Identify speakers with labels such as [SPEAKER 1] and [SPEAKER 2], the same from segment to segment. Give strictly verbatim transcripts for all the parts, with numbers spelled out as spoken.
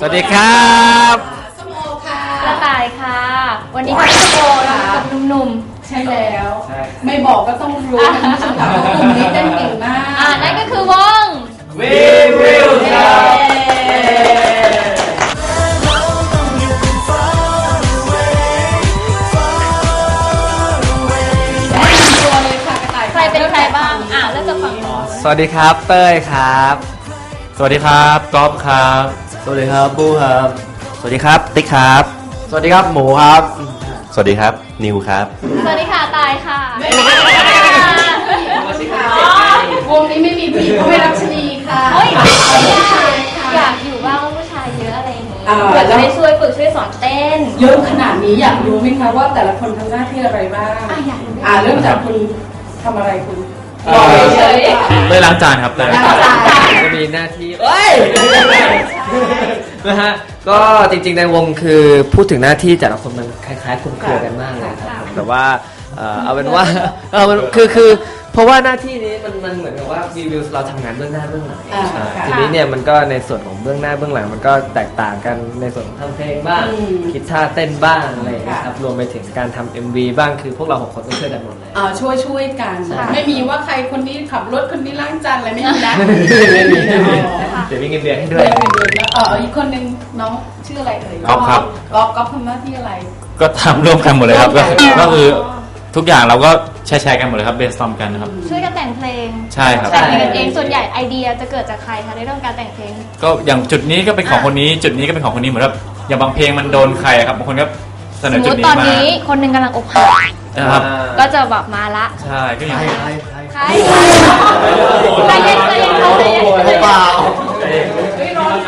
[SPEAKER 1] วัสดีครับ
[SPEAKER 2] ส้มโอค่ะ
[SPEAKER 3] กระต่ายค่ะวันนี้ค่ะส้มโอเรากับหนุ่มๆ
[SPEAKER 2] ใช่แล้วไม่บอกก็ต้องรู้นะคุณผู้ชมค่ะกลุ่มนี้เต้นเก่งมาก
[SPEAKER 3] อ่านั่นก็คือวง
[SPEAKER 1] We Will ครับ
[SPEAKER 3] ใครเป็นใครบ้างอ่าเริ่มจากฝั่งนู้น
[SPEAKER 1] สวัสดีครับเต้ยครับ
[SPEAKER 4] สวัสดีครับก๊อฟครับ
[SPEAKER 1] สวัสดีครับบูครับสวัสดีครับติ๊กครับสวัสดีครับหมูครับ
[SPEAKER 4] สวัสดีครับนิวครับ
[SPEAKER 3] สวัสดีค่ะตายค่ะ
[SPEAKER 2] วงนี้ไม่มีผู้หญิงเขาไม่รักชนีค่ะ
[SPEAKER 3] เฮ้ยอยากอยู่บ้างว่าผู้ชายเยอะอะไรอย่างนี้อยากจะได้ช่วยฝึกช่วยสอนเต้น
[SPEAKER 2] เยอะขนาดนี้อยากรู้ไหมคะว่าแต่ละคนทำหน้าที่อะไรบ้าง
[SPEAKER 3] อ่ะอยากรู้
[SPEAKER 2] อ่าเริ่มจากคุณทำอะไรคุณ
[SPEAKER 3] เฉย
[SPEAKER 4] เต้ยล้างจานครับเต้ย
[SPEAKER 3] ล้างจาน
[SPEAKER 1] จะมีหน้าที่เอ้ยนะฮะก็จริงๆในวงคือพูดถึงหน้าที่แต่ละคนมันคล้ายๆคลุมเครือกันมากเลยครับแต่ว่าเอาเป็นว่าเออมันคือคือเพราะว่าหน้าที่นี้มันมันเหมือนกับว่าวีวิวเราทำงานเบื้องหน้าเบื้องหลังทีนี้เนี่ยมันก็ในส่วนของเบื้องหน้าเบื้องหลังมันก็แตกต่างกันในส่วนของทำเพลงบ้างคิดท่าเต้นบ้างอะไรอย่างเงี้ยครับรวมไปถึงการทำ เอ็ม วี บ้างคือพวกเราหกคนต้องช่วยกันหมดเลย
[SPEAKER 2] อ่าช่วยช่วยกันไม่มีว่าใครคนนี้ขับรถคนนี้ล้างจานอะไรไม่มีนะ
[SPEAKER 1] ไม่มีเดี๋ยวมีเงินเดือนให้ด้วย
[SPEAKER 2] เอออีกคนนึงน้องชื่ออะไรเอ่ย
[SPEAKER 4] ก๊อฟครับ
[SPEAKER 2] ก๊อฟก๊อฟทำหน้าที่อะไร
[SPEAKER 4] ก็ทำร่วมกันหมดเลยครับก็คือทุกอย่างเราก็แชร์กันหมดเลยครับเบสตอมกันนะครับ
[SPEAKER 3] ช่วยกันแต่งเพลง
[SPEAKER 4] ใช่ครับ
[SPEAKER 3] แต่งกันเองส่วนใหญ่ไอเดียจะเกิดจากใครคะในเรื่องการแต่งเพลง
[SPEAKER 4] ก็อย่างจุดนี้ก็เป็นของคนนี้จุดนี้ก็เป็นของคนนี้เหมือนแบบอย่างบางเพลงมันโดนใครครับบางคนก็เสนอจุดนี้มาสมมติ
[SPEAKER 3] ตอนนี้คนหนึ่งกำลังอกหัก
[SPEAKER 4] นะครับ
[SPEAKER 3] ก็จะแบบมาละ
[SPEAKER 4] ใช่ก็อย่าง
[SPEAKER 3] ใครใครใครเย็นใครเย็นใครเย็น
[SPEAKER 1] เปล่า
[SPEAKER 3] ไม่ร้อน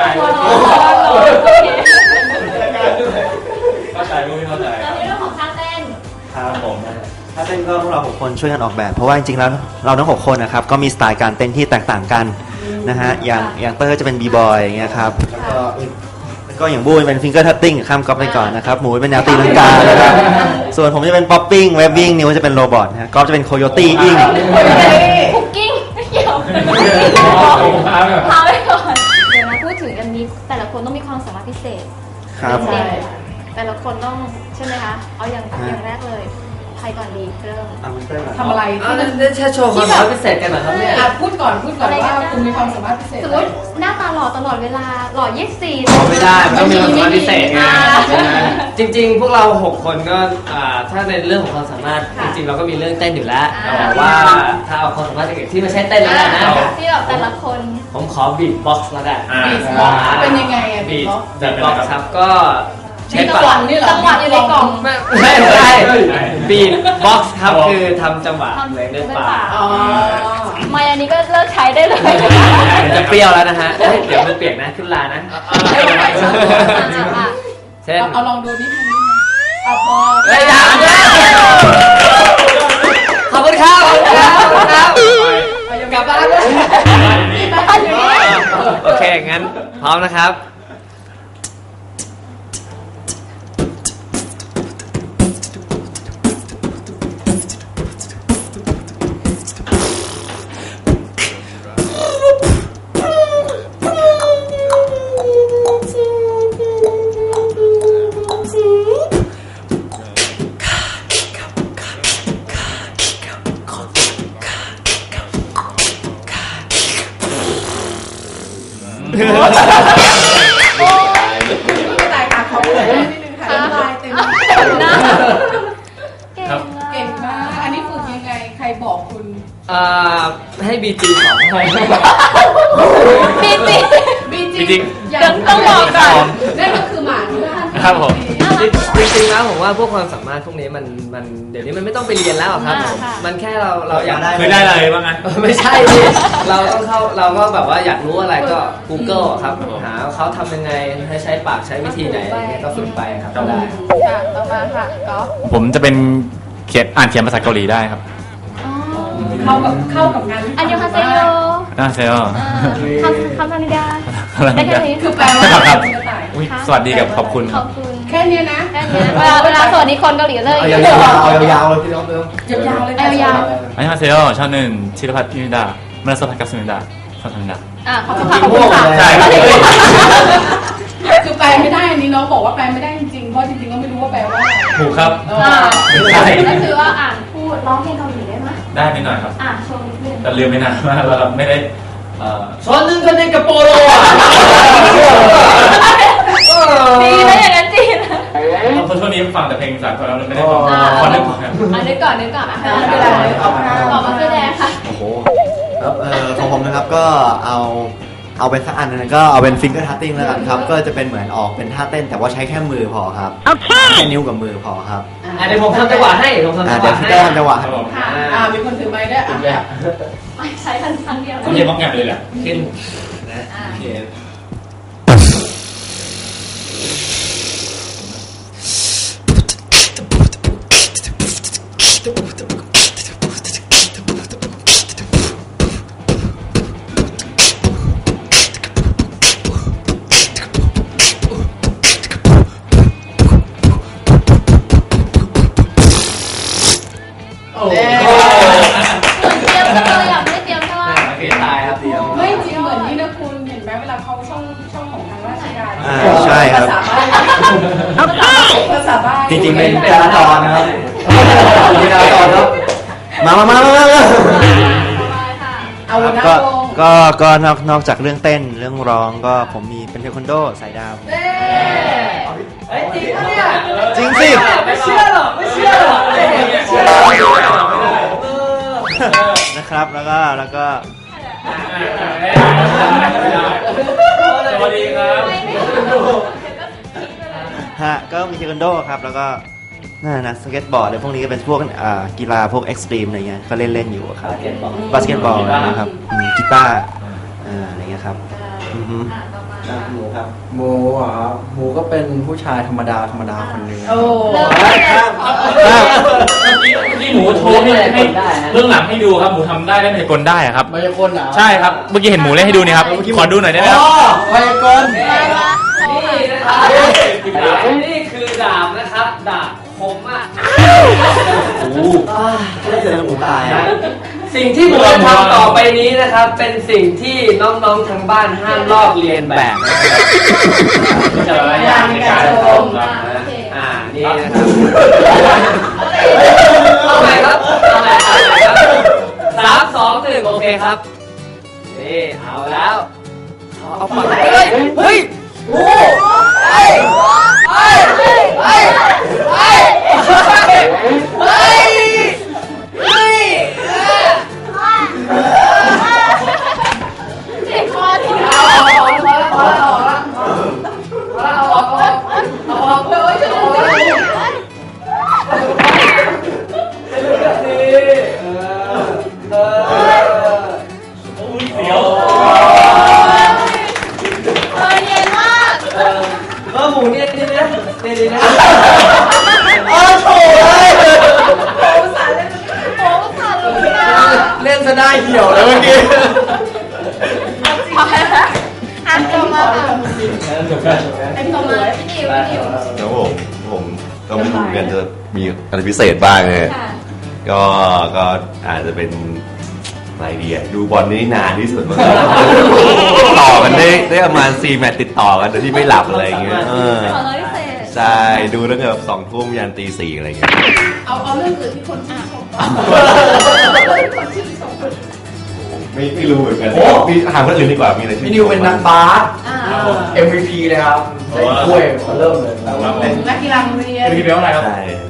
[SPEAKER 4] เข้าใจรู้ไม่เข้าใจ
[SPEAKER 3] ในเรื่องของท่าเต้น
[SPEAKER 1] ครับผมถ้าเต้นก็พวกเราหกคนช่วยกันออกแบบเพราะว่าจริงๆแล้วเราทั้งหกคนนะครับก็มีสไตล์การเต้นที่แตกต่างกันนะฮะอย่างอย่างเตอร์จะเป็นบีบอยอย่างเงี้ยครับแล้วก็ก็อย่างบูเป็นฟิงเกอร์ทัตติ้งข้ามก๊อฟไปก่อนนะครับหมูเป็นแนวตีลังกานะครับส่วนผมจะเป็นป๊อปปิ้งเวบบิ้งนิวจะเป็นโรบอทนะก๊อฟจะเป็นโคโยตี้อิง
[SPEAKER 3] คุกกิ้งไม่เกี่ยวพาไปก่อนเดี๋ยวมาพูดถึงอันนี้แต่ละคนต้องมีความสามารถพิเศษ
[SPEAKER 1] ครับ
[SPEAKER 3] แต่ละคนต้องใช่ไหมคะเอาอย่างอย่างแรกเลยใครก่อนดีเริ่ม
[SPEAKER 2] ทำอะไร
[SPEAKER 1] ที่มันแค่โชว์ความสามารถพิเศษกันเหรอครับเนี่ย
[SPEAKER 2] พูดก่อนพูดก่อนว่าคุณมีความสามารถพิเศษ
[SPEAKER 3] สมมติหน้าตาหล่อตลอดเวลาหล่อยี่สิบสี่
[SPEAKER 1] ไม่ได้ต้องมีความสามารถพิเศษไงจริงๆพวกเราหกคนก็ถ้าในเรื่องของความสามารถจริงๆเราก็มีเรื่องเต้นอยู่แล้วแต่ว่าถ้าเอาความสามารถที่ไม่ใช่เต้นแล้วนะ
[SPEAKER 3] ที่แบบแต่ละคน
[SPEAKER 1] ผมขอบีทบ็อกซ์แล้วกัน
[SPEAKER 2] บีทบ็อกซ์เป็นยังไงอะ
[SPEAKER 1] บีทบ็อกซ์ครับก็
[SPEAKER 3] ใช้จังหวะจังหวะอยู่ในกล่อง
[SPEAKER 1] ไม่ใช่บีทบ็อกซ์ครับคือทำจังหวะเหมือนด้วยปาก
[SPEAKER 3] ไม่อันนี้ก็เลิกใช้ได้เลย
[SPEAKER 1] จะเปรี้ยวแล้วนะฮะเดี๋ยวมันเปียกนะขึ้นลานะ
[SPEAKER 2] เช่นเอาลองดูนิดนึงเอาพอ
[SPEAKER 1] เฮ้ยอย่าขอบคุณครับขอบคุณครับกลับบ้านเลยโอเคงั้นพร้อมนะครับ
[SPEAKER 2] โอ้ไม่ตายค่ะเขาเลยนิดนึงค่ะลายเต็มหน้าเก่งมากอันนี้ฝึกยังไงใครบอกคุณ
[SPEAKER 1] อ่าให้บีจีสอนให้
[SPEAKER 3] บีจี
[SPEAKER 2] บีจี
[SPEAKER 3] ยังต้องบอกก่อน
[SPEAKER 2] นั่นก็คือหมาที่บ้าน
[SPEAKER 4] ครับผม
[SPEAKER 1] จริงๆแล้วผมว่าพวกความสามารถพวกนี้มันมันเดี๋ยวนี้มันไม่ต้องไปเรียนแล้วครับมันแค่เราเราอยากได้
[SPEAKER 4] คือได้อะไรบ้างนะ
[SPEAKER 1] ไม่ใช่เราต้องเข้าเราก็แบบว่าอยากรู้อะไรก็ Google ครับหาเขาทำยังไงให้ใช้ปากใช้วิธีไหนก็ฝึกไปครับได้
[SPEAKER 3] ค่ะต่อมาค่ะก็
[SPEAKER 4] ผมจะเป็นเขียนอ่านเขียนภาษาเกาหลีได้ครับ
[SPEAKER 2] เข้ากับเข้ากับงาน
[SPEAKER 3] อันยองฮาเซโย
[SPEAKER 4] อ่าเซโย
[SPEAKER 3] คำคำธนิดาได้แค่นี้
[SPEAKER 2] คือแปลว่า
[SPEAKER 4] สวัสดีกับขอบคุณ
[SPEAKER 3] ขอบคุณ
[SPEAKER 2] แค่นี้นะ
[SPEAKER 3] แค่นี้เวลาเวลาสวัสดีคนเกาหลีเลย
[SPEAKER 1] เอายาวๆเอายาวๆเลยพี่น้องเติม
[SPEAKER 2] ยาวๆเลย
[SPEAKER 3] เอายาว
[SPEAKER 4] อันยองฮาเซโยชาหนึ่งชิรพัฒน์พิมิดามาสพัฒน์กับสมิดาสพัฒน์
[SPEAKER 3] อ่าขอบคุณค่ะขอบคุณค่ะ
[SPEAKER 4] ใช่
[SPEAKER 2] คือบอกว่าแปลไม่ได้จริงๆเพราะจริงๆก็ไม่รู้ว่าแปลว่าอะไร
[SPEAKER 4] ถูกครับ
[SPEAKER 2] เอ
[SPEAKER 3] อ่า
[SPEAKER 2] อ
[SPEAKER 4] ไม่ใช่
[SPEAKER 3] ก็คือว่าอ่านพูดร้องเพลงเกาหลีได้ไหม
[SPEAKER 4] ได้นิดหน่อยครับ
[SPEAKER 3] อ่านโชว์นิดนึง
[SPEAKER 4] แต่ลืมไปนานมากแล้วครับไม่ได้เอ่อ
[SPEAKER 1] ช้อนนึงก็ในกระโปรงอ่ะ
[SPEAKER 3] จีนนะอย่างนั้นจีน
[SPEAKER 4] เพราะช่วงนี้ฟังแต่เพลงสากลแล้วเลยไม่ได้ฟัง
[SPEAKER 3] อ่า
[SPEAKER 4] ขอนึกครับ
[SPEAKER 3] อ่านนึกก่อนนึกก่อนอ่ะ
[SPEAKER 2] อ่าไม่เป็นไรเอาข้าว
[SPEAKER 3] ต่อมาคือแดงค่ะ
[SPEAKER 5] โอ้โหครับเอ่อของผมนะครับก็เอาเอาเป็นสักอันนึงก็เอาเป็นฟิงเกอร์ทัตติ้งแล้วกันครับ ก็จะเป็นเหมือนออกเป็นท่าเต้นแต่ว่าใช้แค่มือพอครับแค่นิ้วกับมือพอครับ
[SPEAKER 1] อ่ะเดี๋ยวผมทำจังหวะให้ผมทำ
[SPEAKER 5] อ่า
[SPEAKER 1] จังห
[SPEAKER 5] เดี๋ยว
[SPEAKER 1] วะ ให้
[SPEAKER 5] พี่แต้มจังหวะ
[SPEAKER 4] ครับผม
[SPEAKER 2] ค่ะอ่ามีคนถือไม้ด้วยอ่ะ
[SPEAKER 3] ไม่ใช้ทันครั้งเดียว
[SPEAKER 4] เขาเรียกว่าแงบเลยแหละ
[SPEAKER 1] ขึ้น
[SPEAKER 3] อ่า
[SPEAKER 1] โอเค
[SPEAKER 2] โอ้โห
[SPEAKER 3] เตรียมเลยอ่ะไม่เตรียมใช่ไหม
[SPEAKER 1] เปลี่ยนตายครับเดียว
[SPEAKER 2] ไม่จริงเหมือนนี่นะคุณเห็นไหมเวลาเขาช่องช่องของทางราชการ
[SPEAKER 5] อ่าใช่ครับ
[SPEAKER 2] ภาษาบ้านภาษาบ้าน
[SPEAKER 5] จริงๆเป็นจราจรนะครับเป็นจราจรครับมามามามามา
[SPEAKER 2] เอาหน้า
[SPEAKER 5] ก็
[SPEAKER 2] ลง
[SPEAKER 5] ก็ก็นอกนอกจากเรื่องเต้นเรื่องร้องก็ผมมีเป็นเทควันโดสายดาว
[SPEAKER 2] เด้
[SPEAKER 1] เฮ้ยจริงปะเนี่ย
[SPEAKER 5] จริงสิ
[SPEAKER 1] ไม่เชื่อหรอกไม่เชื่อหรอกไม่เชื่อหรอกเออ
[SPEAKER 5] นะครับแล้วก็แล้วก็
[SPEAKER 4] สวัสดีครับ
[SPEAKER 5] ฮะก็มีเทควันโดครับแล้วก็นั่นนะสเก็ตบอร์ดอะไรพวกนี้ก็เป็นพวกอ่ากีฬาพวกเอ็กซ์ตรีมอะไรเงี้ยก็เล่นเล่นอยู่ครับบาสเกตบอลนะครับอืมกีตาร์อ่าอะไรเงี้ยครับอือฮึ
[SPEAKER 6] หมูครับหมูเหรอหมูก็เป็นผู้ชายธรรมดาธรรมดาคนหนึ่ง
[SPEAKER 2] โอ้
[SPEAKER 4] ที่หมูโชว์ให้ให้เรื่องหลังให้ดูครับหมูทำได้เล่นไฮกลได้อะครับ
[SPEAKER 6] มายากลเหรอ
[SPEAKER 4] ใช่ครับเมื่อกี้เห็นหมูเล่นให้ดูนี่ครับขอดูหน่อยได้ไหมครับ
[SPEAKER 6] อ๋อมายากล
[SPEAKER 1] นี่นะครับนี่คือดาบนะครับดาบคมมาก
[SPEAKER 5] โอ้โหไม่เจอหมูตายอะ
[SPEAKER 1] สิ่งที่ผมจะทำต่อไปนี้นะครับ เป็นสิ่งที่น้องๆทางบ้านห้ามลอกเลียนแบบจะระยะในการชมครับอ่านี่นะครับเอาใหม่ครับเอาใหม่เอาใหม่ครับสามสองหนึ่งโอเคครับนี่เอาแล้วเอาปากเฮ้ยเฮ้ยโอ้เฮ้ยเฮ้ยเฮ้ยเฮ้ยเฮ้ยเฮ้ยเฮ้ย
[SPEAKER 3] เด็กคอที่
[SPEAKER 2] เอาออกเอาออกเอาออกเอาออกเอาออกเลยช่วยด้วย
[SPEAKER 4] เสียว
[SPEAKER 3] เออเย็นมาก
[SPEAKER 1] เออหมูเนี่ยนี่นะนี่นี่นะ
[SPEAKER 5] โอ้โหเลย
[SPEAKER 3] โอ้สั่นเลยอ่ะ
[SPEAKER 6] เล่นซะได้เหี่ยวเลยเมื่อกี้
[SPEAKER 3] อ่านต่อมาค่ะ
[SPEAKER 2] เป็นตัว
[SPEAKER 3] ต่อ
[SPEAKER 2] เล
[SPEAKER 3] มาย พี่ดิวพี่ดิว
[SPEAKER 7] แล้วผมผมก็ไม่รู้เหมือนกันจะมีอะไรพิเศษบ้างไง
[SPEAKER 3] ค่ะ
[SPEAKER 7] ก็ก็อาจจะเป็นอะไรดีอะดูบอลนี่นานที่สุดมั้งต่อกันได้ได้ประมาณสี่แมตช์ติดต่อกันโดยที่ไม่หลับอะไรอย่างเงี้ยเออ
[SPEAKER 3] ขอร้อยพิเศษ
[SPEAKER 7] ใช่ดูตั้งแต่แบบสองทุ่มยันตีสี่อะไรอย่างเงี้ย
[SPEAKER 2] เอาเอาเรื่องอื่นที่คนชื่นชมก่อนคนชื่นชม
[SPEAKER 7] ไม่ไม่รู้เหมือนกันมีถามคนอื่นดีกว่ามีอะไรที่
[SPEAKER 6] พี่นิวเป็นนักบาส
[SPEAKER 2] อ่า
[SPEAKER 6] เอ็ม วี พี เลยครับได้ถ้วยมาเริ่มเลยแล้ว
[SPEAKER 2] เป็นนักกีฬาโรงเรียน
[SPEAKER 4] พี่เบลอะไรครับ
[SPEAKER 7] ใช่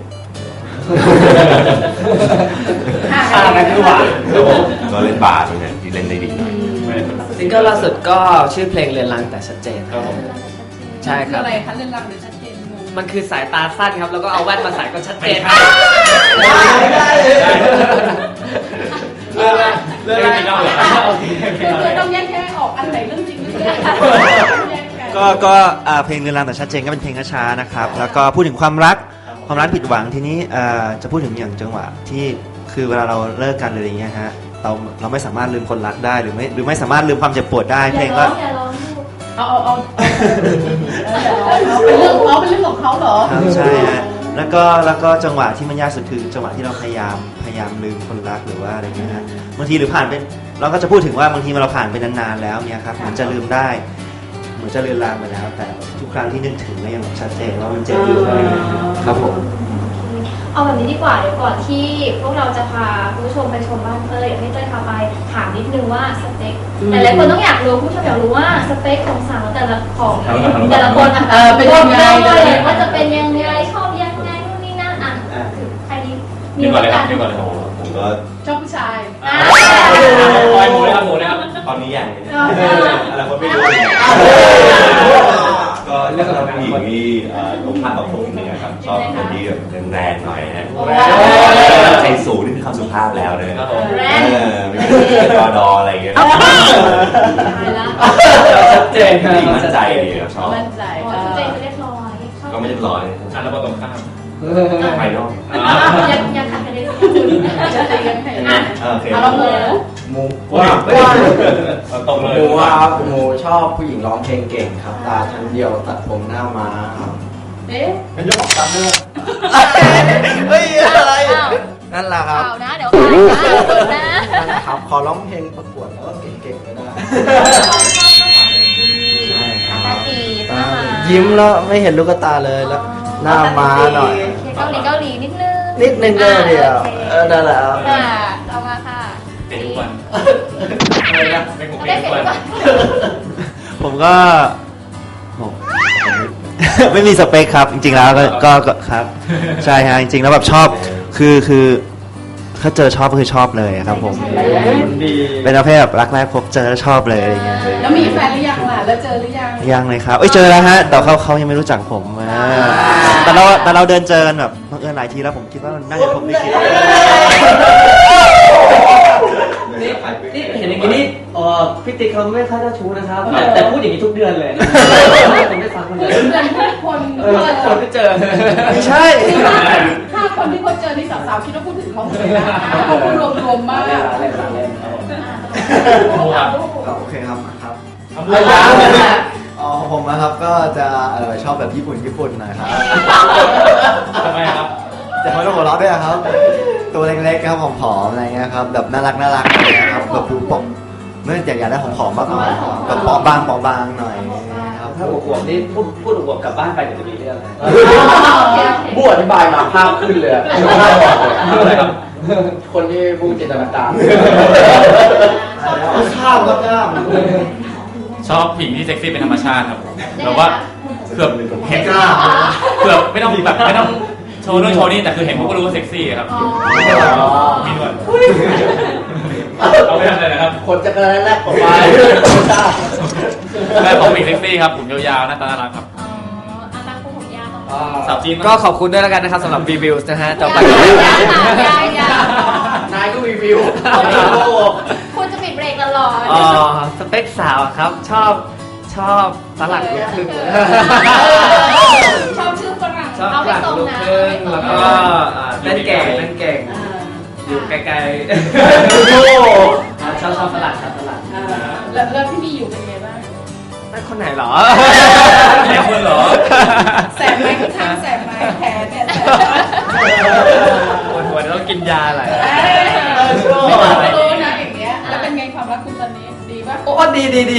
[SPEAKER 2] ห้านักกีฬา
[SPEAKER 7] ก็เล่นบาสเหมือนกันที่เล่นได้ดีหน่อย
[SPEAKER 1] ซิงเกิลล่าสุดก็ชื่อเพลงเรียนรังแต่ชัดเจนครับผมใช่ค
[SPEAKER 2] คือ
[SPEAKER 1] รับ
[SPEAKER 2] อะไรคะเรื่องราวเดี๋ยวชัดเจนงง
[SPEAKER 1] มันคือสายตาสั้นครับ แล้วก็เอาแว่นมาใส่ก็ชัดเจน
[SPEAKER 4] ไม่ใช่
[SPEAKER 1] ได้ได้เลย
[SPEAKER 4] เรื่องไม่เล่าเหรอ
[SPEAKER 2] คือคือต้องแยกแยะออกอันไหนเรื่องจริงเรื่องเล่นแยกกัน
[SPEAKER 5] ก็ก็อ่าเพลงเรือนรางแต่ชัดเจนก็เป็นเพลงช้าๆนะครับแล้วก็พูดถึงความรักความรักผิดหวังทีนี้อ่าจะพูดถึงอย่างจังหวะที่คือเวลาเราเลิกกันอะไรอย่างเงี้ยฮะเราเราไม่สามารถลืมคนรักได้หรือไม่หรือไม่สามารถลืมความเจ็บปวดได้
[SPEAKER 3] อ
[SPEAKER 5] เพล
[SPEAKER 3] ย่าง ร้
[SPEAKER 5] ก็
[SPEAKER 3] องอย่าร้องลูก
[SPEAKER 2] เอาเอาเอาเอาเป็นเรื่องเขาเป็นเรื่องของเขาเหรอ
[SPEAKER 5] ครับใช่ฮะแล้วก็แล้วก็จังหวะที่มันยากสุดคือจังหวะที่เราพยายามพยายามลืมคนรักหรือว่าอะไรเงี้ยฮะบางทีหรือผ่านไปเราก็จะพูดถึงว่าบางทีเราผ่านไปนานๆแล้วเนี่ยครับเหมือนจะลืมได้เหมือนจะเลือนลางไปแล้วแต่ทุกครั้งครั้งที่นึกถึงก็ยังแบบชัดเจนว่ามันเจ็บอยู่อะไรอย่างเงี้ยครับผม
[SPEAKER 3] เอาแบบนี้ดีกว่าเดี๋ยวก่อนที่พวกเราจะพาคุณผู้ชมไปชมบ้านเต้ยอยากให้เต้ยพาไปถามนิดนึงว่าสเปคแต่หลายคนต้องอยากรู้ผู้ชมอยากรู้ว่าสเปคของสาวแต่ละของแต่ละคนอ่ะ
[SPEAKER 2] เออเป็นยังไง
[SPEAKER 3] เลยว่าจะเป็นยังไงชอบยังไงนู่นนี่นั่นอ่ะใครดี
[SPEAKER 4] เดี๋ยวก่อนเลยครับเดี๋ยวก่อนเลยครับ
[SPEAKER 7] ผมก็
[SPEAKER 2] ชอบผู้ชาย
[SPEAKER 3] อ่า
[SPEAKER 4] ปล่อยหมูเลยครับหมูเลยครับ
[SPEAKER 7] ตอนนี้ยัง
[SPEAKER 3] อ่า
[SPEAKER 7] อะไรก็ไม่รู้ก็เรื่องของผู้หญิงที่เอ่อตรงข้ามกับผมเนี่ยครับชอบคนที่แบบแรงๆหน่อยนะใจสูงนี่คือคำสุภาพแล้วเลย
[SPEAKER 3] แร
[SPEAKER 7] เอง อไม่ใช่ดอดออะไรอย่างเงี้ย
[SPEAKER 3] ตายละ
[SPEAKER 1] ชัดเจนครับ
[SPEAKER 7] ผู้หญิงมั่นใจดีครับชอบ
[SPEAKER 2] มั่นใจ
[SPEAKER 3] อ๋อชุดเจนจะเรียบร้อยชอบ
[SPEAKER 7] ก็ไม่เรียบร้อย
[SPEAKER 4] อ่ะแล้วก็ตรงข้าม
[SPEAKER 7] ภายนอก
[SPEAKER 3] ยังยังขัดกันเลย
[SPEAKER 2] จะตีกันแค่ไหน
[SPEAKER 7] โอเค
[SPEAKER 2] เอาละหมู
[SPEAKER 6] หมูว่า
[SPEAKER 4] เอาตรงเลย
[SPEAKER 6] หมูว่าครับหมูชอบผู้หญิงร้องเพลงเก่งครับ ตาชั้นเดียวตัดผมหน้าม้าครับ
[SPEAKER 2] เอ๊ะ
[SPEAKER 6] เป็นเจ้าของตัดเนื้อ
[SPEAKER 3] เฮ้ยอะไร
[SPEAKER 6] นั่นแหละครับ
[SPEAKER 3] ข่าวนะเดี๋ยวข่าวนะ
[SPEAKER 6] นั่นแหละครับขอร้องเพลงประกวดแล้วก็เก่งๆก็ได้ ใช่ครับ
[SPEAKER 3] ตาตีหน้ามา
[SPEAKER 6] ยิ้มแล้วไม่เห็นลูกตาเลยแล้วหน้าม้าหน่อย
[SPEAKER 3] เกาหลีเกาหลีนิดนึง
[SPEAKER 6] นิดนึงก็เดียวเออนั่นแหละครับ
[SPEAKER 3] ค่ะเอามาค่ะ
[SPEAKER 4] เตะทุกวัน
[SPEAKER 6] อะไรนะ
[SPEAKER 4] ไม่ผม
[SPEAKER 3] เอา
[SPEAKER 4] เตะ
[SPEAKER 3] ได้
[SPEAKER 4] ทุ
[SPEAKER 3] เสร็จ
[SPEAKER 4] กวัน
[SPEAKER 3] ก่อน
[SPEAKER 5] ผมก็ผม ไม่มีสเปคครับ จริงๆแล้วก็ก็ก็ครับ ใช่ฮะจริงๆแล้วแบบชอบคือคือถ้าเจอชอบก็คือชอบเลยครับผม
[SPEAKER 1] ดี
[SPEAKER 5] เป็นประเภทแบบรักแรกพบเจอแล้วชอบเลยอะไรเงี้ย
[SPEAKER 2] แล้วมีแฟนหรือยังล่ะ แล้วเจอหรือยัง
[SPEAKER 5] ยังเลยครับเอ้ยเจอแล้วฮะแต่เขาเขายังไม่รู้จักผมอ่าแต่เราแต่เราเดินเจอกันแบบบังเอิญหลายทีแล้วผมคิดว่ามันน่าจะผมไม่คิด
[SPEAKER 1] นี่นี่เห็นอย่างนี้นี่เออพี่ติ๊กเขาไม่ค่อยเจ้าชู้นะครับ แต่พูดอย่างนี้ทุกเดือนเลยผมไม่ฟังคนเดียว
[SPEAKER 2] เพื่อนทุกคน
[SPEAKER 1] เออคนที่เจอ
[SPEAKER 5] ไม่ใช่
[SPEAKER 2] ถ้าคนที่เขาเจอนี่สาวๆคิดว่าพูดถึงเขาหมดเลยนะเขาพูดรวมๆมาก
[SPEAKER 6] โอเคครับครับ
[SPEAKER 4] ทำด้วย
[SPEAKER 6] อ๋อของผมนะครับก็จะเออชอบแบบญี่ปุ่นญี่ปุ่นหน่อยครับ
[SPEAKER 4] ทำไมครับ
[SPEAKER 6] จะไม่ต้องหัวเราะด้วยครับ ตัวเล็กๆครับผอมๆอะไรเงี้ยครับแบบน่ารักน่ารักอะไรเงี้ยครับแบบดูปกเมื่ออยากอยากได้ผอมๆมากกว่าแบบปอบางปอบางหน่อยครับ
[SPEAKER 1] ถ้าอวบๆนี่พูดพูดอวบกลับบ้านไปเดี๋ยวจะมีเรื่องนะ
[SPEAKER 6] บูอธิบายมาภาพขึ้นเลย
[SPEAKER 4] อะไรครับ
[SPEAKER 6] คนที่บูจินตนาการข้าวก็กล้าม
[SPEAKER 4] ชอบผู้หญิงที่เซ็กซี่เป็นธรรมชาติครับแบบว่าเกือบเห็น
[SPEAKER 6] กล้าม
[SPEAKER 4] เกือบไม่ต้องแบบไม่ต้องโชว์นู่นโชว์นี่แต่คือเห็นพวกก็รู้ว่าเซ็กซี่ครับมีด้วยเอาไม่ทำอะไรนะครับ
[SPEAKER 6] คนจะกระแรกออกไปทราบ
[SPEAKER 4] แม่ผมมีเซ็กซี่ครับผมยาวๆหน้าตาน่ารักครับ
[SPEAKER 3] อ๋ออาตาคู่ผมยาวตรง
[SPEAKER 4] สาวจีน
[SPEAKER 1] ก็ขอบคุณด้วยแล้วกันนะครับสำหรับรีวิวนะฮะต่อไป
[SPEAKER 3] ยาวยาวยาวน
[SPEAKER 6] ายก็รีวิว
[SPEAKER 3] คุณจะปิดเบรกตลอด
[SPEAKER 1] อ๋อสเปคสาวครับชอบชอบฝรั่งลูกครึ่ง
[SPEAKER 3] ชอบชื่อฝรั่ง
[SPEAKER 1] ชอบ
[SPEAKER 3] เอา
[SPEAKER 1] ฝ
[SPEAKER 3] ไป
[SPEAKER 1] รั่ง
[SPEAKER 3] ตรง
[SPEAKER 1] ลูก
[SPEAKER 3] นะ
[SPEAKER 1] ครึ่ง
[SPEAKER 3] เอา
[SPEAKER 1] แล้ว
[SPEAKER 3] ไป
[SPEAKER 1] ก็
[SPEAKER 3] ตรง
[SPEAKER 1] อ่าเล่นเก่งเล่นเก่งอยู่ไกลๆอ่าชอบชอบฝรั่งชอบฝรั่ง
[SPEAKER 2] แล้วแล้วที่มีอยู่เป็นไงบ้าง
[SPEAKER 1] นั่นคนไหนเหรอ
[SPEAKER 4] แม่คุณเหรอ
[SPEAKER 2] แสบไหมข้างๆแสบไหมแผลเนี่ยแสบไหม
[SPEAKER 1] ปวดหัวต้องกินยาอะไร
[SPEAKER 2] ไม่ต้องไปรู้นะอย่างเงี้ย แล้วเป็นไงความรักคุณตอนนี้ดีป่ะ
[SPEAKER 1] โอ้ดีดีดี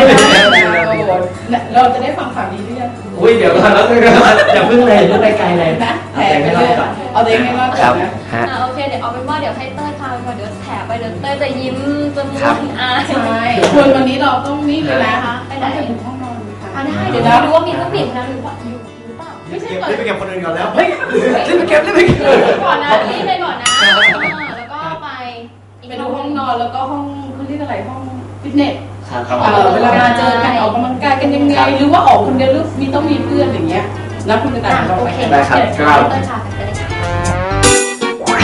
[SPEAKER 2] เราจะได้ฟังข่าวดีหรือยัง
[SPEAKER 1] อุ้ยเดี๋ยวก่อนแล้วอย่าเพิ่งเลยเพิ่งไปไกลเลย
[SPEAKER 2] นะแผลไปเรื่อยเอาตัวเองให้รอด
[SPEAKER 1] ค
[SPEAKER 2] ก่
[SPEAKER 1] รั
[SPEAKER 2] อบ นนะ
[SPEAKER 1] ฮะ
[SPEAKER 3] อ่าโอเคเดี๋ยวเอาเป็นว่าเดี๋ยวให้เต้ยพาไปก่อนเดี๋ยวแถไปเดี๋ยวเต้ยจะยิ้มจะม่
[SPEAKER 1] ครั
[SPEAKER 3] ว
[SPEAKER 1] บ
[SPEAKER 3] นอาย
[SPEAKER 2] ใช่ควรวันนี้เราต้องนี่เลยนะ
[SPEAKER 3] ไปไหน
[SPEAKER 2] ต้องไปถึงห้องนอนค่ะ
[SPEAKER 3] อ่าได้เดี๋ยวเราดูว่ามีผู้หญิงคนนั้นหรือเปล่าอยู่หรือเปล่า
[SPEAKER 2] ไม่ใช่
[SPEAKER 6] เก็บ
[SPEAKER 2] เปิด
[SPEAKER 6] รีบไปเก็บคนอื่นก่อนแล้ว
[SPEAKER 1] เฮ้ยรีบไปเก็บรีบไปเก็บ
[SPEAKER 3] ก่อนนะรีบไปก่อนนะอ่าแล้วก็ไปอีก
[SPEAKER 2] ไปดูห้องนอนแล้วก็ห้องเขาเรียกอะไรห้องฟิตเนส
[SPEAKER 1] ครับ
[SPEAKER 2] เออเวลาเจอกันออกกำลังกายกันยังไง หรือว่าออกคนเดียวหรือมีต้องมีเพื่อนอย่างเงี้ย แล้วคุณจะตัด
[SPEAKER 3] อ่ะ
[SPEAKER 2] เรา
[SPEAKER 3] โอ
[SPEAKER 2] ไป
[SPEAKER 3] เค
[SPEAKER 2] กัน
[SPEAKER 1] ได้ครับ
[SPEAKER 3] เดี๋ยวเต้ยพาไปเลยค่ะ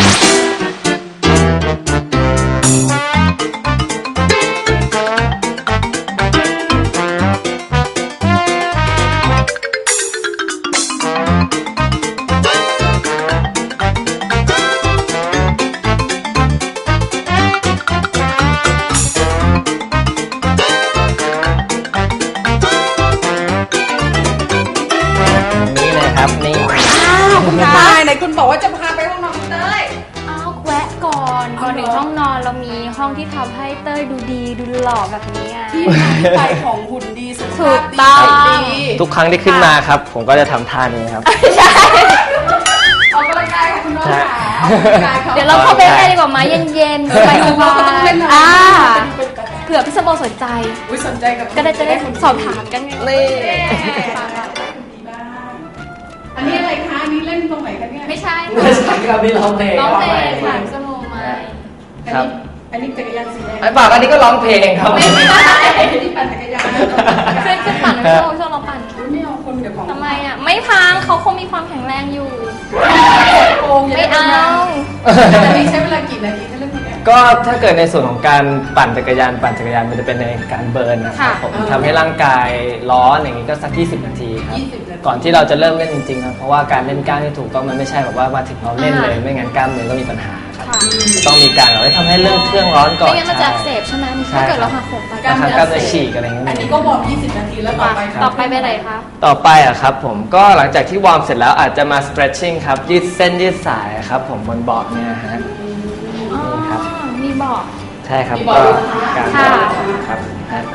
[SPEAKER 1] นี่เลยครับนี่
[SPEAKER 2] อ้าวคุณตายไหนคุณบอกว่าจะพาไปห้องนอนคุณเต้ย
[SPEAKER 3] อ้าวแวะก่อนก่อน
[SPEAKER 8] มาถึงห้องนอนเรามีห้องที่ทำให้เต้ยดูดีดูหล่อแบบนี้ไง
[SPEAKER 2] ที่มาที่ไปของหุ่นดีสุข
[SPEAKER 8] ถู
[SPEAKER 2] ภาพ
[SPEAKER 8] ก
[SPEAKER 2] ดี
[SPEAKER 8] ต้อง
[SPEAKER 2] ใจดี
[SPEAKER 1] ทุกครั้งที่ขึ้นมาครับ ผมก็จะทำท่านี้ครับ
[SPEAKER 2] ออกกำลังกายค่ะคุณน้องค่ะออกกำลังกายค่ะ
[SPEAKER 8] เดี๋ยวเราเข้าไปได้ดีกว่าไหมเย็นๆสบาย
[SPEAKER 2] เราก็ต้องเล่นหน่อย
[SPEAKER 8] ๆอ่า
[SPEAKER 2] เป็นกระแส
[SPEAKER 8] เผื่อพี่สมโบสนใจ
[SPEAKER 2] อุ้ยสนใจกับ
[SPEAKER 8] ก็ได้จะได้สอบถามกันไง
[SPEAKER 1] นี่
[SPEAKER 2] ดีบ้างอันนี้อะไรคะอันนี้เล่นตรงไหนคะเนี่ย
[SPEAKER 8] ไม่ใช่
[SPEAKER 1] ไม่ใช่ครับนี่ร้องเพลง
[SPEAKER 8] น้องเพลง
[SPEAKER 1] ครั
[SPEAKER 8] ค่ะ
[SPEAKER 1] บ
[SPEAKER 8] พี่สมโบไหม
[SPEAKER 2] อัน
[SPEAKER 1] ครับ
[SPEAKER 2] นี้อันนี้จักรยานสีแดง
[SPEAKER 1] ไอ้ปากอันนี้ก็ร้องเพลงครับ
[SPEAKER 8] ไม่ใช่
[SPEAKER 2] อันนี้ปั่นจักรยาน
[SPEAKER 8] เคยจะปั่นพี่สมโบชอบเราปั่น
[SPEAKER 2] อุ๊ยไม่เอาคนเดี๋ยวของ
[SPEAKER 8] ทำไมอ่ะ ไม่พังเขาคงมีความแข็งแรงอยู่
[SPEAKER 2] โกง
[SPEAKER 8] ไม่เอา
[SPEAKER 2] อันนี้ใช้เวลากี่นาทีถ้าเล่นคนเนี้ย
[SPEAKER 1] ก็ถ้าเกิดในส่วนของการปั่นจักรยานปั่นจักรยานมันจะเป็นในการเบิร์นนะครับ
[SPEAKER 8] ค่ะ
[SPEAKER 1] ผมทำให้ร่างกายร้อนอย่างนี้ก็สักยี่สิบนาทีครับ
[SPEAKER 2] ยี่สิบนาที
[SPEAKER 1] ก่อนที่เราจะเริ่มเล่นจริงๆครับเพราะว่าการเล่นกล้ามที่ถูกต้องมันไม่ใช่แบบว่ามาถึงเราเล่นเลยไม่งั้นกล้ามเนื้อก็มีปัญหาครับ
[SPEAKER 8] ค่ะ
[SPEAKER 1] ต้องมีการแบบว่าทำให้เรื่องเครื่องร้อนก่อน
[SPEAKER 8] ไม่งั้นมันจะอักเสบใช่ไหม
[SPEAKER 1] ใช่
[SPEAKER 8] ถ้าเกิดเราหักโหมไป
[SPEAKER 1] บางครั้งกล้ามเนื้อฉีกอะไรเงี้ย
[SPEAKER 2] อันนี้ก็วอร์มยี่สิบนาทีแล้วต่อไป
[SPEAKER 8] ต่อไปไปไหนคะ
[SPEAKER 1] ต่อไปอะครับผมก็หลังจากที่วอร์มเสร็จแล้วอาจจะมา stretching ครับยืดเส้นยืดสายครับผมบนบอร์ดเนี่ยฮะ
[SPEAKER 8] อ๋อ
[SPEAKER 1] นี่ครับ
[SPEAKER 8] มีบอก
[SPEAKER 1] ใช่ครับ
[SPEAKER 2] มีบอ
[SPEAKER 1] ก็
[SPEAKER 2] ร์ดด้วยนะคะ
[SPEAKER 1] การ
[SPEAKER 8] ค่ะ
[SPEAKER 1] ครับฮะ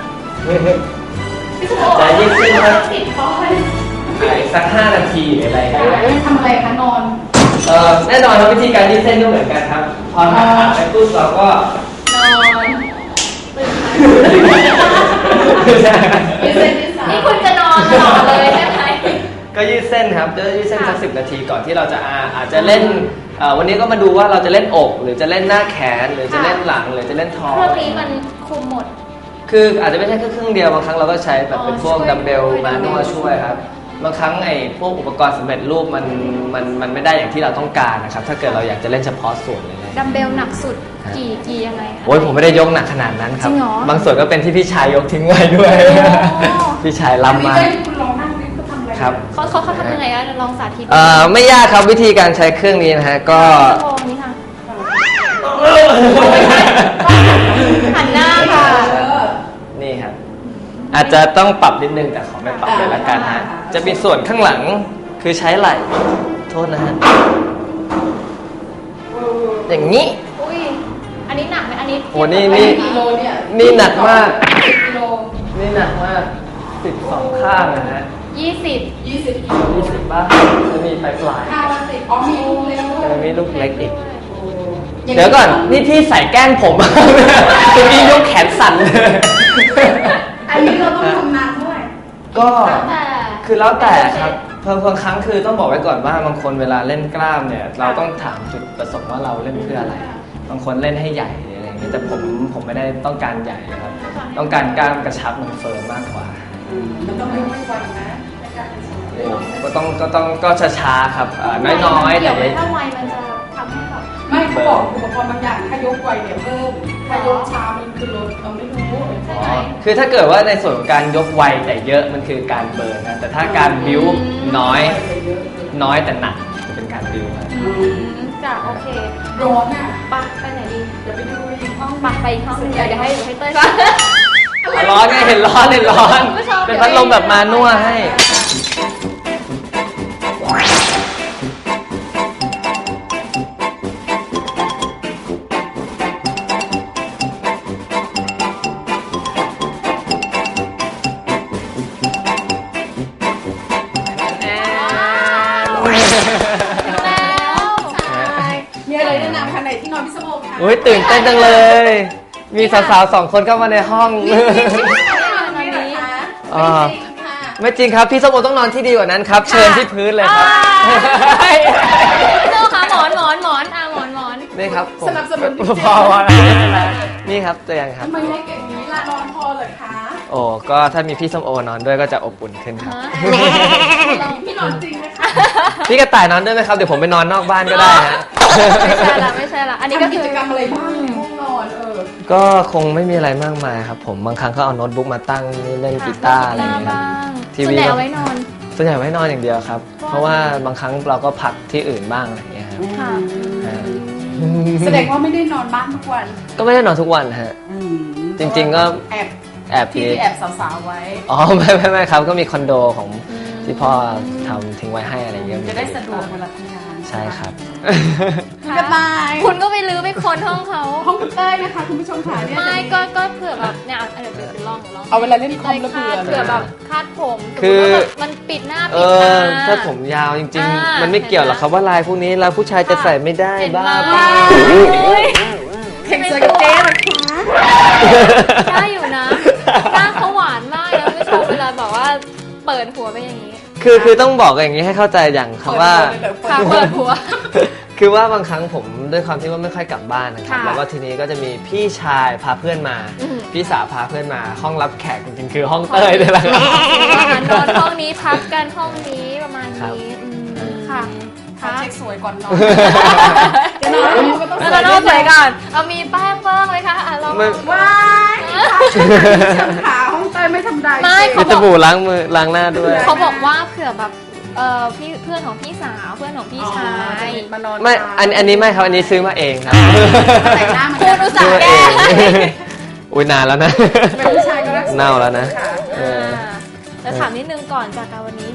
[SPEAKER 1] จะยืดเส้นสักสักห้านาทีหรืออะไรอย่างเงี้ย
[SPEAKER 2] ทำอะไรคะนอน
[SPEAKER 1] เอ่อแน่นอนครับวิธีการยืดเส้นก็เหมือนกันครับ พอหักขาไปปุ๊บเราก็
[SPEAKER 8] นอน
[SPEAKER 2] ยืดเส้นยืดสาย
[SPEAKER 8] นี่คุณจะนอนต่อเลยใช่ไหม
[SPEAKER 1] ก็ยืดเส้นครับจะยืดเส้นสักสิบนาทีก่อนที่เราจะอาอาจจะเล่นเอ่อวันนี้ก็มาดูว่าเราจะเล่นอก หรือจะเล่นหน้าแขน หรือจะเล่นหลังหรือจะเล่นท้อง
[SPEAKER 8] เครื่องนี้มันคุมหมด
[SPEAKER 1] คืออาจจะไม่ใช่แค่เครื่องเดียวบางครั้งเราก็ใช้แบบเป็นพวก
[SPEAKER 8] อ๋อช่วย
[SPEAKER 1] ดัมเบล
[SPEAKER 8] ด้วย
[SPEAKER 1] มาด้วยช่วยครับบางครั้งไอ้พวกอุปกรณ์สำเร็จรูปมันมันมันไม่ได้อย่างที่เราต้องการนะครับถ้าเกิดเราอยากจะเล่นเฉพาะส่วนเลยนะ
[SPEAKER 8] ดัมเบลหนักสุดกี่กี่ยังไงคะ
[SPEAKER 1] โอ้ยผมไม่ได้ยกหนักขนาดนั้นครับ
[SPEAKER 8] จริงเหรอ
[SPEAKER 1] บางส่วนก็เป็นที่พี่ชายยกทิ้งไว้ด้วย
[SPEAKER 8] โอ้
[SPEAKER 1] พี่ชาย
[SPEAKER 2] อัน
[SPEAKER 1] ล้ำ
[SPEAKER 2] นี้
[SPEAKER 1] มา
[SPEAKER 2] ได้คุณลองนั่งดิคุณทำอะไร
[SPEAKER 1] ครับ
[SPEAKER 8] เขาเขาเขาทำยังไงอะลองสาธิต
[SPEAKER 1] เอ่อไม่ยากครับวิธีการใช้เครื่องนี้นะฮะก็
[SPEAKER 8] โอ้นี่ค่ะหันหน้าค่ะ
[SPEAKER 2] เออ
[SPEAKER 1] นี่ครับอาจจะต้องปรับนิดนึงแต่ขอไม่ปรับเลยละกันฮะ
[SPEAKER 2] อ่า
[SPEAKER 1] จะมีส่วนข้างหลังคือใช้ไหล่โทษนะฮะอย่างนี้
[SPEAKER 8] อุ้ยอันนี้หนักไหมอันนี้
[SPEAKER 1] โอ้นี่
[SPEAKER 2] อั
[SPEAKER 1] นี่
[SPEAKER 2] กิโลเนี่ย
[SPEAKER 1] นี่หนักมาก
[SPEAKER 2] กิโล
[SPEAKER 1] นี่หนักมากสิบสองข้างนะฮะ
[SPEAKER 8] ยี่สิบ
[SPEAKER 2] ยี่สิบกิโล
[SPEAKER 1] ยี่สิบบ้างจะมีปลายปลาย
[SPEAKER 2] ข้าวละสิบอ๋อมีลูกเล็กด้ว
[SPEAKER 1] จะ
[SPEAKER 2] ย
[SPEAKER 1] มีลูกเล็กอีก
[SPEAKER 2] าง
[SPEAKER 1] เดี๋ยวก่อนนี่พี่ใส่แกล้งผม จะมียกแขนสั่นเลย
[SPEAKER 2] อันนี้เราต้องทำนานเท่าไหร่
[SPEAKER 1] ก็
[SPEAKER 8] แต่
[SPEAKER 1] คือแล้วแต่ครับเพิ่มบางครั้งคือต้องบอกไว้ก่อนว่าบางคนเวลาเล่นกล้ามเนี่ย เราต้องถามจุดประสงค์ว่าเราเล่นเพื่ออะไร บางคนเล่นให้ใหญ่หรืออะไรอย่างนี้แต่ผมผมไม่ได้ต้องการใหญ่ครับ ต้องการกล้ามกระชับมันเฟิร์มมากกว่า
[SPEAKER 2] มันต้องไม่ไม่ไวนะในการเป็นสมาธิ
[SPEAKER 1] ก็ต้องก็ต้องก็ช้าๆครับเอ่อน้อยๆ
[SPEAKER 8] เดี๋
[SPEAKER 1] แต่
[SPEAKER 8] ยว
[SPEAKER 1] ไม่
[SPEAKER 8] ถ้าไวมันจะทำให้แบบ
[SPEAKER 2] ไม่เขาบอกอุปกรณ์บางอย่างถ้ายกไวเนี่ยเพิ่มถ้ายกช้ามันคือลดเราไม่รู้
[SPEAKER 8] ใช่ไหม
[SPEAKER 1] คือถ้าเกิดว่าในส่วนของการยกไวแต่เยอะมันคือการเบิร์นนะแต่ถ้าการบิ้วน้อยน้อยแต่หนักจะเป็นการบิ้วครับ
[SPEAKER 8] อืมจ้ะโอเค
[SPEAKER 2] ร้อนอ่ะ
[SPEAKER 8] ไปไปไหนดี
[SPEAKER 2] เดี๋ยวไปดูอีกห้อง
[SPEAKER 8] ไปไปอีกห้องหนึงเดี๋ยวเดี๋ยวให้เดี๋ยวให้เต้ยก่อน
[SPEAKER 1] ร้อนไงเห็นร้อนเห็นร้อน
[SPEAKER 8] คุณผู้ชม
[SPEAKER 1] เป็นพัดลมแบบมานั่วให้
[SPEAKER 8] แล้วใช่
[SPEAKER 2] มีอะไรแนะนำคะไหนที่นอนพิศโมกค่ะ
[SPEAKER 1] อุ้ยตื่นเต้นจังเลย มีสาวๆสองคนเข้ามาในห้อง
[SPEAKER 2] นี่เหรอคะ
[SPEAKER 1] อ่า
[SPEAKER 2] จริงค่ะ
[SPEAKER 1] ไม่จริงครับ พี่ส้มโอต้องนอนที่ดีกว่านั้นครับ เชิญที่พื้นเลยครับ
[SPEAKER 8] เจ้าค่ะหมอนหมอนหมอนอ่ะหมอนหมอน
[SPEAKER 1] นี่ครับผม
[SPEAKER 2] สนับสนุน
[SPEAKER 1] พอพอนี่ครับตัวอย่างครับ
[SPEAKER 2] ทำไมเล็กอย่างนี้ล่ะนอนพอเหรอคะ
[SPEAKER 1] โอ้ก็ถ้ามีพี่ส้มโอนอนด้วยก็จะอบอุ่นขึ้นครับ
[SPEAKER 2] พี่นอนจริงนะคะ
[SPEAKER 1] พี่กระต่ายนอนด้วยไหมครับ เดี๋ยวผมไปนอนนอกบ้านก็ได้ฮะ
[SPEAKER 8] ไม่ใช่ละไม่ใช่ละอันนี้ก็
[SPEAKER 2] ทำ
[SPEAKER 8] คื
[SPEAKER 2] กิ
[SPEAKER 8] อ
[SPEAKER 2] จกรรมอะไรบ้างในห้องนอนเออ
[SPEAKER 1] ก็คงไม่มีอะไรมากมายครับผมบางครั้งก็เอาโน้ตบุ๊กมาตั้งนี่เล่นกีตาร์อะไรอย่างเงี้ยครับ ที
[SPEAKER 8] ที
[SPEAKER 1] วี
[SPEAKER 8] วีเอาไว้นอน
[SPEAKER 1] ส่วนใหญ่ไว้นอนอย่างเดียวครับ เพราะว่าบางครั้งเราก็พักที่อื่นบ้างอะไรอย่างเงี้ยครับ
[SPEAKER 8] ค่ะ
[SPEAKER 1] ฮะ
[SPEAKER 2] แสดงว่าไม่ได้นอนบ้านทุกวัน
[SPEAKER 1] ก็ไม่ได้นอนทุกวันฮะ จริงๆก็
[SPEAKER 2] แอบ
[SPEAKER 1] แอบ
[SPEAKER 2] ที่
[SPEAKER 1] มี
[SPEAKER 2] ที่แอบสาวๆไว้
[SPEAKER 1] อ๋อไม่ไม่ไม่ครับก็มีคอนโดของที่พ่อทำทิ้งไว้ให้อะไรอย่างเงี้ย
[SPEAKER 2] จะได้สะดวกเวลาทำงาน
[SPEAKER 1] ใช่ครับ
[SPEAKER 2] คุณกระต่าย
[SPEAKER 8] คุณก็ไปรื้อไปค้นห้องเขา
[SPEAKER 2] ห้องคุณเต้ยนะคะคุณผู้ชมค่ะเนี่ย
[SPEAKER 8] ไม่ก็ก็เผื่อแบบเนี่ยเอาเดี๋ยวเดี๋ยวลองลอง
[SPEAKER 2] เอาเวลาเล่นคอมแล้ว
[SPEAKER 8] คา
[SPEAKER 2] เบื่อ
[SPEAKER 8] ดเผื่อแบบคาดผม
[SPEAKER 1] คือ
[SPEAKER 8] สมมุติว่าแบบมันปิดหน้า
[SPEAKER 1] เอ
[SPEAKER 8] ปิดตา
[SPEAKER 1] อถ้าผมยาวจริง
[SPEAKER 8] อ่า
[SPEAKER 1] ๆ มันไม่เกี่ยวหรอกครับว่าลายพวกนี้ลายผู้ชายจะใส่ไม่ได้
[SPEAKER 8] เห็น
[SPEAKER 1] บ้า
[SPEAKER 8] ไหม
[SPEAKER 1] เปล่า
[SPEAKER 8] โอ้ย
[SPEAKER 2] แข่งเสือกับเจ๊เหรอคะ
[SPEAKER 8] ได้อยู่นะก้างเขาหวานมากนะไม่ชมเวลาแบบว่าเปิดหัวไปอย่างนี้
[SPEAKER 1] คือคือต้องบอกอย่างนี้ให้เข้าใจอย่างครับว่า
[SPEAKER 8] ค่ะเปิดหัว
[SPEAKER 1] คือว่าบางครั้งผมด้วยความที่ว่าไม่ค่อยกลับบ้านนะครับ
[SPEAKER 8] ค่ะ
[SPEAKER 1] แล้วก็ทีนี้ก็จะมีพี่ชายพาเพื่อนมา
[SPEAKER 8] อืม
[SPEAKER 1] พี่สาวพาเพื่อนมาห้องรับแขกจริงๆคือห้องเต้ยนี่แหละครับ
[SPEAKER 8] นอนห้องนี้พักกันห้องนี้ประมาณ
[SPEAKER 1] ครับ
[SPEAKER 8] นี้อืมค่ะ
[SPEAKER 2] ขอ
[SPEAKER 8] ค่ะ
[SPEAKER 2] เช็คสวยก่อนนอนจะนอนก็ต้อง
[SPEAKER 8] แล้วเราต้องใส่ก่อนเอามีแป้งบ้างไหมคะอ่ะลอง
[SPEAKER 1] ไม่
[SPEAKER 2] ว้ายช่างขาห้องเต้ยไม่ทำได้
[SPEAKER 8] ไม่
[SPEAKER 1] มีสบู่ล้างมือล้างหน้าด้วย
[SPEAKER 8] เขาบอกว่าเผื่อแบบเอ่อพี่เพื่อนของพี่สาวเพื่อนของพี่ชาย
[SPEAKER 2] มานอน
[SPEAKER 1] ไม่อันอันนี้ไม่ครับอันนี้ซื้อมาเองครับ
[SPEAKER 2] แต่งหน้ามัน
[SPEAKER 8] คุณอุตส่า
[SPEAKER 1] ซื้อ
[SPEAKER 8] ห์
[SPEAKER 1] มา
[SPEAKER 8] แก้
[SPEAKER 1] เอง อุ้ยนานแล้วนะ
[SPEAKER 2] เป็นผู้ชายก็รักสวย
[SPEAKER 1] เน่าแล้วนะ
[SPEAKER 2] ค่
[SPEAKER 1] เออ
[SPEAKER 8] จะถามนิดนึงก่อนจากการวันนี้